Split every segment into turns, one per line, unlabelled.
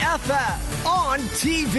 EFF on TV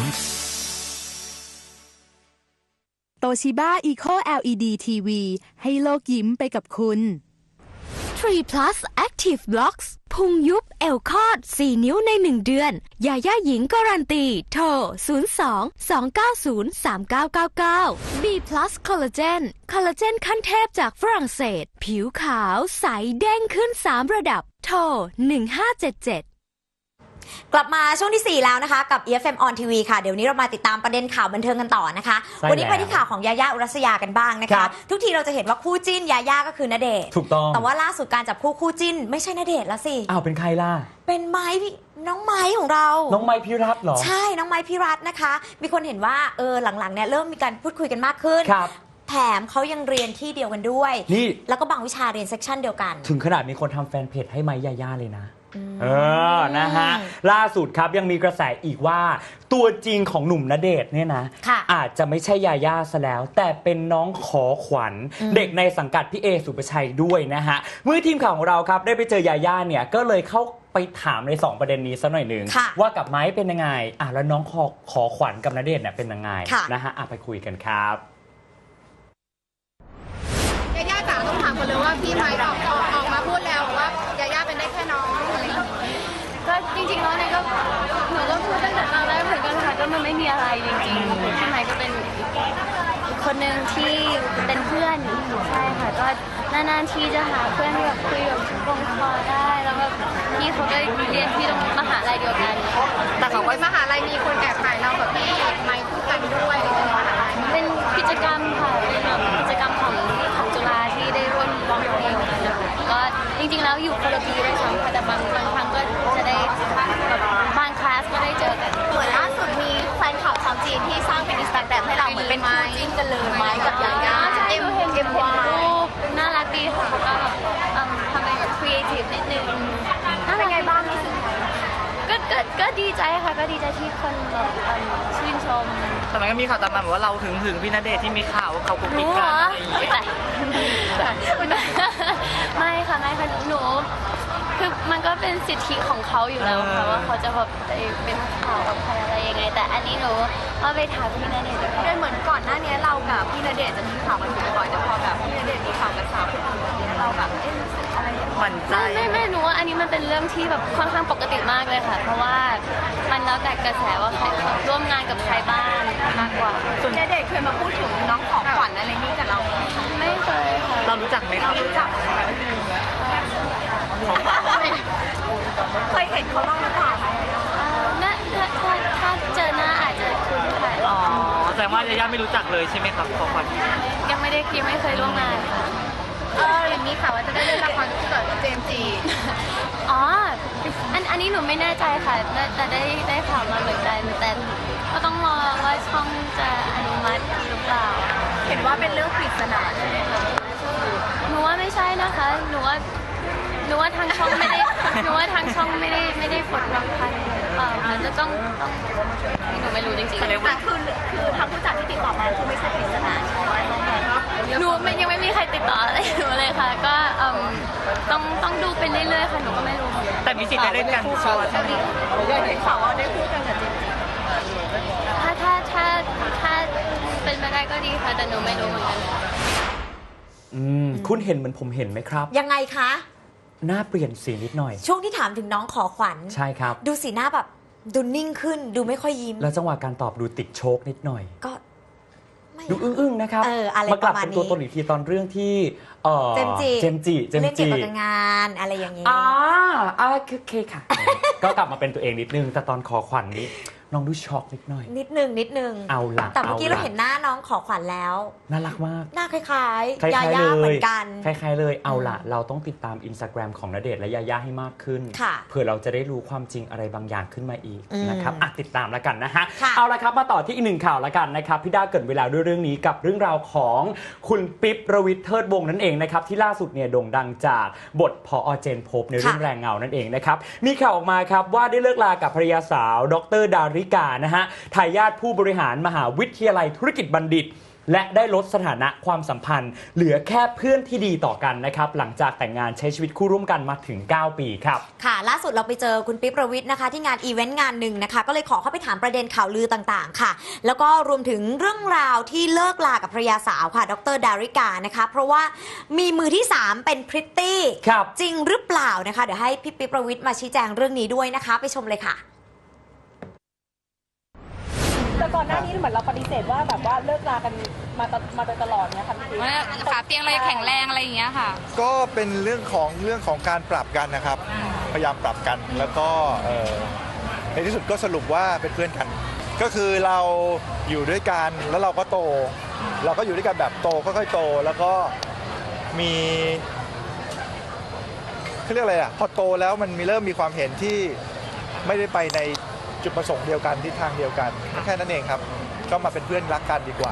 โตชิบ้า Eco LED TV ให้โลกยิ้มไปกับคุณ3 plus Active Blocks พุงยุบเอวคอด4 นิ้วใน1 เดือนยาย่าหญิงการันตีโทร 02-290-3999 B plus Collagen คอลลาเจนขั้นเทพจากฝรั่งเศสผิวขาวใสเด้งขึ้น3 ระดับโทร 1577
กลับมาช่วงที่4แล้วนะคะกับ EFM on TV ค่ะเดี๋ยวนี้เรามาติดตามประเด็นข่าวบันเทิงกันต่อนะคะวันนี้ไปที่ข่าวของยาย่าอุรัสยากันบ้างนะคะทุกทีเราจะเห็นว่าคู่จิ้นยาย่าก็คือณเดชน์
ถูกต้อง
แต่ว่าล่าสุดการจับคู่จิ้นไม่ใช่ณเดชน์แล้วสิ
อ้าวเป็นใครล่ะ
เป็นน้องไม้ของเรา
น้องไม้พิรัตน์เหรอ
ใช่น้องไม้พิรัตน์นะคะมีคนเห็นว่าหลังๆเนี่ยเริ่มมีการพูดคุยกันมากขึ้นแถมเขายังเรียนที่เดียวกันด้วย
นี่
แล้วก็บางวิชาเรียนเซกชันเดียวกัน
ถึงขนาดมีคนทำแฟนเพจให้ไม้ยาย่าเลยนะนะฮะล่าสุดครับยังมีกระแสอีกว่าตัวจริงของหนุ่มณเดชน์เนี่ยนะอาจจะไม่ใช่ยาย่าซะแล้วแต่เป็นน้องขอขวัญเด็กในสังกัดพี่เอสุภชัยด้วยนะฮะเมื่อทีมข่าวของเราครับได้ไปเจอยาย่าเนี่ยก็เลยเข้าไปถามใน2ประเด็นนี้สักหน่อยหนึ่งว่ากับไม้เป็นยังไงแล้วน้องขอขวัญกับณเดชน์เนี่ยเป็นยังไงนะฮะไปคุยกันครับ
ยาย่าจ๋าต้องถามคนเลยว่าพี่ไม้ออกมาพูดแล้วว่ายาย่าเป็นได้แค่น้องอะไรอย่างนี้
ก็จริงๆแล้วเนี่ยก็หนูก็พูดตั้งแต่ตอนแรกเหมือนกันค่ะก็มันไม่มีอะไรจริงๆพี่ไม้ก็เป็นคนหนึ่งที่เป็นเพื่อนใช่ค่ะก็นานๆทีจะหาเพื่อนที่แบบคุยแบบลงคอได้แล้วแบบพี่เขาก็เรียนที่มหาลัยเดียวกัน
แต่เขาไปมหาลัยมีคนแอบถ่ายเราแบบพี่ไม้คู่กันด้วย
เป็นกิจกรรมค่ะเป็นแบบกิจกรรมของจุฬาที่ได้ร่วมร้องเพลงกันนะคะก็จริงๆแล้วอยู่คนละปีได้ซ้ำค่ะแต่บางครั้งก็จะได้แบบบางคลาสก็ได้เจอกัน
เหมือนล่าสุดมีแฟนคลับชาวจีนที่สร้างเป็น Instagram ให้เราเหมือนเป็นคู่จิ้นกันเลยไม้กับยาย่า
เอ็มน่ารักดีค่ะก็แบบทำเป็นแบบครีเอทีฟนิดนึง
เป็นไงบ้าง
ก็ดีใจค่ะก็ดีใจที่คนแบบชื่นชม
แต่มันก็มีข่าวตามมาบอกว่าเราถึงพี่ณเดชน์ที่มีข่าวว่าเขากุ๊กกิ๊กกัน
ไม่ค่ะหนูคือมันก็เป็นสิทธิของเขาอยู่แล้วค่ะว่าเขาจะแบบเป็นข่าวกับใครอะไรยังไงแต่อันนี้หนูเอาไปถามพี่ณเดชน์
ด้วยเหมือนก่อนหน้านี้เรากับพี่ณเดชน์จะมีข่าวกันบ่อยแต่พอแบบพี่ณเดชน์มีข่าวกับสาวคนอื่นแบบนี้เราแบบอะไร
หวั่นใจ
ไม่หนูว่าอันนี้มันเป็นเรื่องที่แบบค่อนข้างปกติมากเลยค่ะเพราะว่ามันแล้วแต่กระแสว่าใครร่วมงานกับใครบ้างมากกว่า
ส่วนณเดชน์เคยมาพูดถึงน้องของขวัญอะไรนี้กับเรา
ไม่เคยค่ะ
เรารู้จักไหมครับ
รู้จักเคยเห็นเขาบ้างหรือเปล่า
ถ้าเจอหน้าอาจจะคุ้นค่ะ
แสดงว่ายาย่าไม่รู้จักเลยใช่ไหมครับของขวัญ
ยังไม่เคยร่วมงานค่ะ
อย่างนี้ค่ะว่าจะได้เล่นละครคู่กับเจมส์จี
อันนี้หนูไม่แน่ใจค่ะแต่ได้ข่าวมาเหมือนกันแต่ก็ต้องรอว่าช่องจะอนุมัติหรือเปล่า
เห็นว่าเป็นเรื่องปริศนาใช่ไหมคะ
หนูว่าไม่ใช่นะคะหนูว่าทางช่องไม่ได้หนูว่าทางช่องไม่ได้กดรางวัลมันจะต้องหนูไม่รู้จริงๆ
แต่คือทางผู้จัดที่ติดต่อมาคือไม่ใช่ปริศนาใช่ไหม
หนูยังไม่มีใครติดต่ออะไรหนูเลยค่ะก็ต้องดูไปเรื่อยๆค่ะหนูก็ไม่รู้
แต่มีสิทธิ์ได้เล่นกันชัวร์ใช่ไหม
ได้ข่าวว่าได้คู่กันกับเจมส์
ถ้าเป็นไปได้ก็ดีค่ะแต่หนูไม่รู้เหมือนกัน
คุณเห็นเหมือนผมเห็นไหมครับ
ยังไงคะ
หน้าเปลี่ยนสีนิดหน่อย
ช่วงที่ถามถึงน้องขอขวัญ
ใช่ครับ
ดูสีหน้าแบบดูนิ่งขึ้นดูไม่ค่อยยิ้ม
แล้วจังหวะการตอบดูติดโชคนิดหน่อย
ก็
ดูอึ้งๆนะครับมากลับเป็นตัวตนอีกทีตอนเรื่องที่
เจมจีเล่นเกี่ยวกับงานอะไรอย่างนี้
คือเคค่ะก็กลับมาเป็นตัวเองนิดนึงแต่ตอนขอขวัญนี้น้องดูช็อกนิดหน่อย
นิดนึง
เอาล่ะ
แต่เมื่อกี้เราเห็นหน้าน้องขอขวัญแล้ว
น่ารักมาก
หน้าคล้ายๆยาย่าเหมือนกัน
คล้ายๆเลยเอาล่ะเราต้องติดตาม Instagram ของณเดชน์และยาย่าให้มากขึ้นเพื่อเราจะได้รู้ความจริงอะไรบางอย่างขึ้นมาอีกนะครับติดตามแล้วกันนะฮะเอาละครับมาต่อที่อีกหนึ่งข่าวแล้วกันนะครับพี่ด้าเกิดเวลาด้วยเรื่องนี้กับเรื่องราวของคุณปิ๊บระวิทย์เทิดวงศ์นั่นเองนะครับที่ล่าสุดเนี่ยโด่งดังจากบทผอ.เจนภพในเรื่องแรงเงานั่นเองนะครับมีข่าวออกมาครับว่าได้เลิกลากับภรรยาสาวดร.ดาริกานะฮะทายาทผู้บริหารมหาวิทยาลัยธุรกิจบัณฑิตและได้ลดสถานะความสัมพันธ์เหลือแค่เพื่อนที่ดีต่อกันนะครับหลังจากแต่งงานใช้ชีวิตคู่ร่วมกันมาถึง9 ปีครับ
ค่ะล่าสุดเราไปเจอคุณปิ๊บประวิตรนะคะที่งานอีเวนต์งานหนึ่งนะคะก็เลยขอเข้าไปถามประเด็นข่าวลือต่างๆค่ะแล้วก็รวมถึงเรื่องราวที่เลิกลากับภรรยาสาวค่ะดร.ดาริกานะคะเพราะว่ามีมือที่3เป็นพริตตี้จริงหรือเปล่านะคะเดี๋ยวให้พี่ปิ๊บประวิตรมาชี้แจงเรื่องนี้ด้วยนะคะไปชมเลยค่ะ
แต่ก่อนหน้านี้เหมือนเราปฏิเสธว่าแบบว่าเลิกลากันมาโดยตลอดเนี่ยค่ะพี่ปิ๊บ
ขาเตียงเลยแข็งแรงอะไรอย่างเงี้ยค่ะ
ก็เป็นเรื่องของการปรับกันนะครับพยายามปรับกันแล้วก็ในที่สุดก็สรุปว่าเป็นเพื่อนกันก็คือเราอยู่ด้วยกันแล้วเราก็โตเราก็อยู่ด้วยกันแบบโตค่อยๆโตแล้วก็มีเขาเรียกอะไรอ่ะพอโตแล้วมันเริ่มมีความเห็นที่ไม่ได้ไปในจุดประสงค์เดียวกันทิศทางเดียวกันแค่นั้นเองครับก็มาเป็นเพื่อนรักกันดีกว่า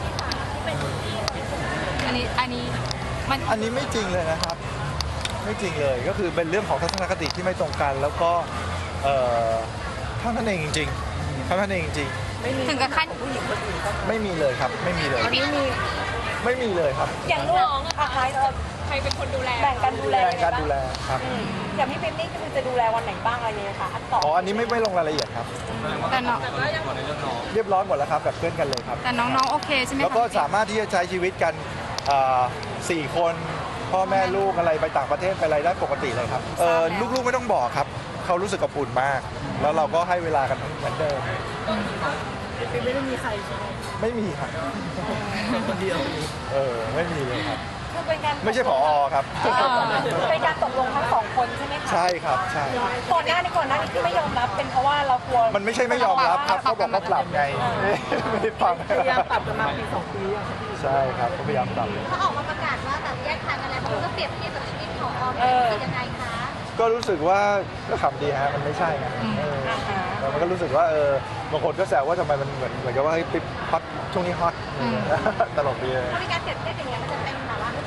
อันนี้
ไม่จริงเลยนะครับไม่จริงเลยก็คือเป็นเรื่องของทัศนคติที่ไม่ตรงกันแล้วก็เท่านั้นเองจริงๆเท่านั้นเองจริง
ถึงกับขั้น
ไม่มีเลยครับไม่มีเลยไม่มีเลยครับ
อย่างลูกใครเป็นคนดูแลแบ่งกันดูแล
ครับ
อย่างพี่ปิ๊บนี่คือจะดูแลวันไหนบ้างอะไรเนี่ยค่ะ
อันนี้ไม่ลงรายละเอียดครับ
แต่น้อง
เรียบร้อยหมดแล้วครับแบบเพื่อนกันเลยครับ
แต่น้องๆโอเคใช่ไหม
แล้วก็สามารถที่จะใช้ชีวิตกัน4 คนพ่อแม่ลูกอะไรไปต่างประเทศไปอะไรได้ปกติเลยครับลูกๆไม่ต้องบอกครับเขารู้สึกอบอุ่นมากแล้วเราก็ให้เวลากันเหมือนเดิม
ไม่ได้มีใครใช่ไหม
ไม่มีครับคนเดียวไม่มีเลยครับ
คือเป็นการ
ไม่ใช่ผอ.ครับ
เป็นการตกลงทั้ง2 คนใช่ไหมคะ
ใช่ครับใช่
ก่อนหน้านี้ที่ไม่ยอมรับเป็นเพราะว่าเรากลัว
มันไม่ใช่ไม่ยอมรับครับเขาบอกว่าปรับไงไม่ได้ฟัง
พยายามปรับกันมาปี2 ปี
ใช่ครับพยายามปรับ
เขาออกมาประกาศว่าแบบแยกทางกันแล้วเขาก็เปรียบเทียบกับชีวิตของออมเป็นยังไงคะ
ก็รู้สึกว่าก็ขำดีฮะมันไม่ใช่ไงมันก็รู้สึกว่าบางคนก็แซวว่าทำไมมันเหมือนกับว่าเฮ้ยปิ๊บฮอตช่วงนี้ฮอตตลกดีเลย
มีการเปรียบเทียบอย่างเงี้ยมันจะเป็นแบบว่า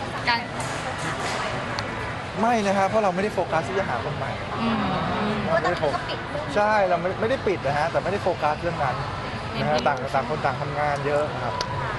ไม่นะครับเพราะเราไม่ได้โฟกัสที่จะหาคนใหม่
ไม่ได้โฟกัส
ใช่เราไม่ได้ปิดนะฮะแต่ไม่ได้โฟกัสเรื่องนั้นนะฮะต่างคนต่างทำงานเยอะนะครับ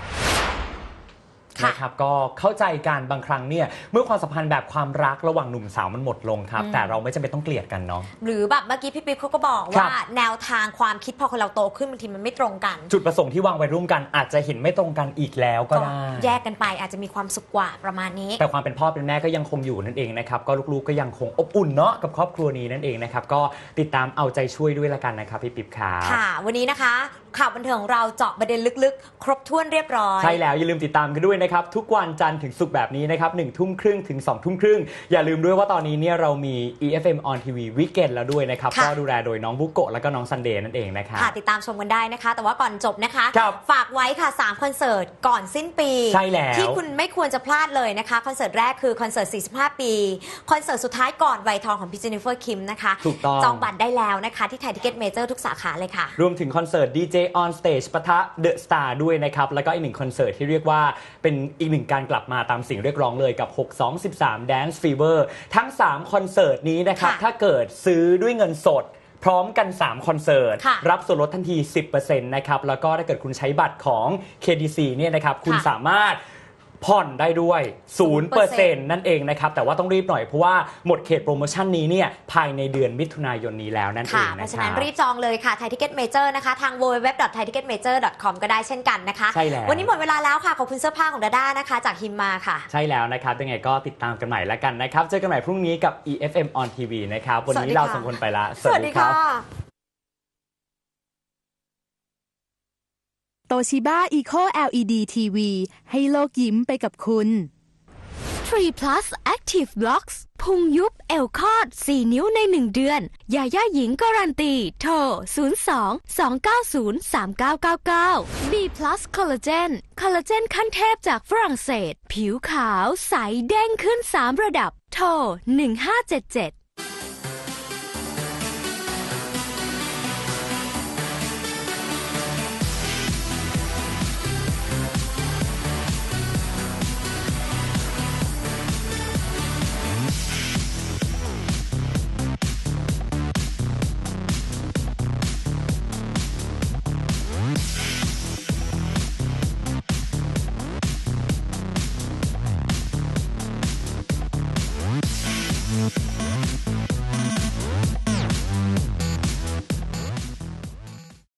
นะครับก็เข้าใจการบางครั้งเนี่ยเมื่อความสัมพันธ์แบบความรักระหว่างหนุ่มสาวมันหมดลงครับแต่เราไม่จำเป็นต้องเกลียดกันเนาะ
หรือแบบเมื่อกี้พี่ปิ๊บเขาก็บอกว่าแนวทางความคิดพอคนเราโตขึ้นบางทีมันไม่ตรงกัน
จุดประสงค์ที่วางไว้ร่วมกันอาจจะเห็นไม่ตรงกันอีกแล้วก็ได้
แยกกันไปอาจจะมีความสุขกว่าประมาณนี้
แต่ความเป็นพ่อเป็นแม่ก็ยังคงอยู่นั่นเองนะครับก็ลูกๆก็ยังคงอบอุ่นเนาะกับครอบครัวนี้นั่นเองนะครับก็ติดตามเอาใจช่วยด้วยละกันนะครับพี่ปิ๊บครับ
ค่ะวันนี้นะคะข่าวบันเทิงของเราเจาะประเด็นลึกๆครบถ้วนเรียบร้อย
ใช่แล้วอย่าลืมติดตามกันด้วยนะครับทุกวันจันทร์ถึงศุกร์แบบนี้นะครับ19:30 ถึง 20:30อย่าลืมด้วยว่าตอนนี้เนี่ยเรามี EFM on TV Weekend แล้วด้วยนะครับก็ดูแลโดยน้องบุโกะแล้วก็น้องซันเดย์นั่นเองนะครับ
ติดตามชมกันได้นะคะแต่ว่าก่อนจบนะคะฝากไว้ค่ะ3คอนเสิร์ตก่อนสิ้นปี
ใช่แล้ว
ที่คุณไม่ควรจะพลาดเลยนะคะคอนเสิร์ตแรกคือคอนเสิร์ต45 ปีคอนเสิร์ตสุดท้ายก่อนวัยทองของพี่เจนนิเฟอร์คิมนะคะ
ถูกต้อง
จองบัตรได้แล้วนะคะที่ไทยทิเก็ตเมเจอร์ทุกสาขาเลยค่ะ
รวมถึงคอนเสิร์ต DJ on Stage ปะทะ The Star ด้วยนะครับแล้วก็อีก1คอนเสิร์ตที่เรียกว่าเป็นอีก1การกลับมาตามสิ่งเรียกร้องเลยกับ 6213 Dance Fever ทั้ง3คอนเสิร์ตนี้นะครับถ้าเกิดซื้อด้วยเงินสดพร้อมกัน3คอนเสิร์ตรับส่วนลดทันที 10% นะครับแล้วก็ถ้าเกิดคุณใช้บัตรของ KDC เนี่ยนะครับคุณสามารถผ่อนได้ด้วย 0% นั่นเองนะครับแต่ว่าต้องรีบหน่อยเพราะว่าหมดเขตโปรโมชั่นนี้เนี่ยภายในเดือนมิถุนายนนี้แล้วนั่นเอง
นะครับเพราะฉะนั้นรีบจองเลยค่ะไทยทิเก็ตเมเจอร์นะคะทาง www.thaiticketmajor.com ก็ได้เช่นกันนะคะวันนี้หมดเวลาแล้วค่ะขอบคุณเสื้อผ้าของดาด้านะคะจากฮิมมาค่ะ
ใช่แล้วนะครับยังไงก็ติดตามกันใหม่แล้วกันนะครับเจอกันใหม่พรุ่งนี้กับ EFM on TV นะครับวันนี้เรา2คนไปละ
สวัสดีค่ะ
โตชิบ้า Eco LED TV ให้โลกยิ้มไปกับคุณ3 Plus Active Blocks พุงยุบเอวคอด4 นิ้วใน1 เดือนยาย่าหญิงการันตีโทร 02-290-3999 B Plus Collagen คอลลาเจนขั้นเทพจากฝรั่งเศสผิวขาวใสเด้งขึ้น3 ระดับโทร 1577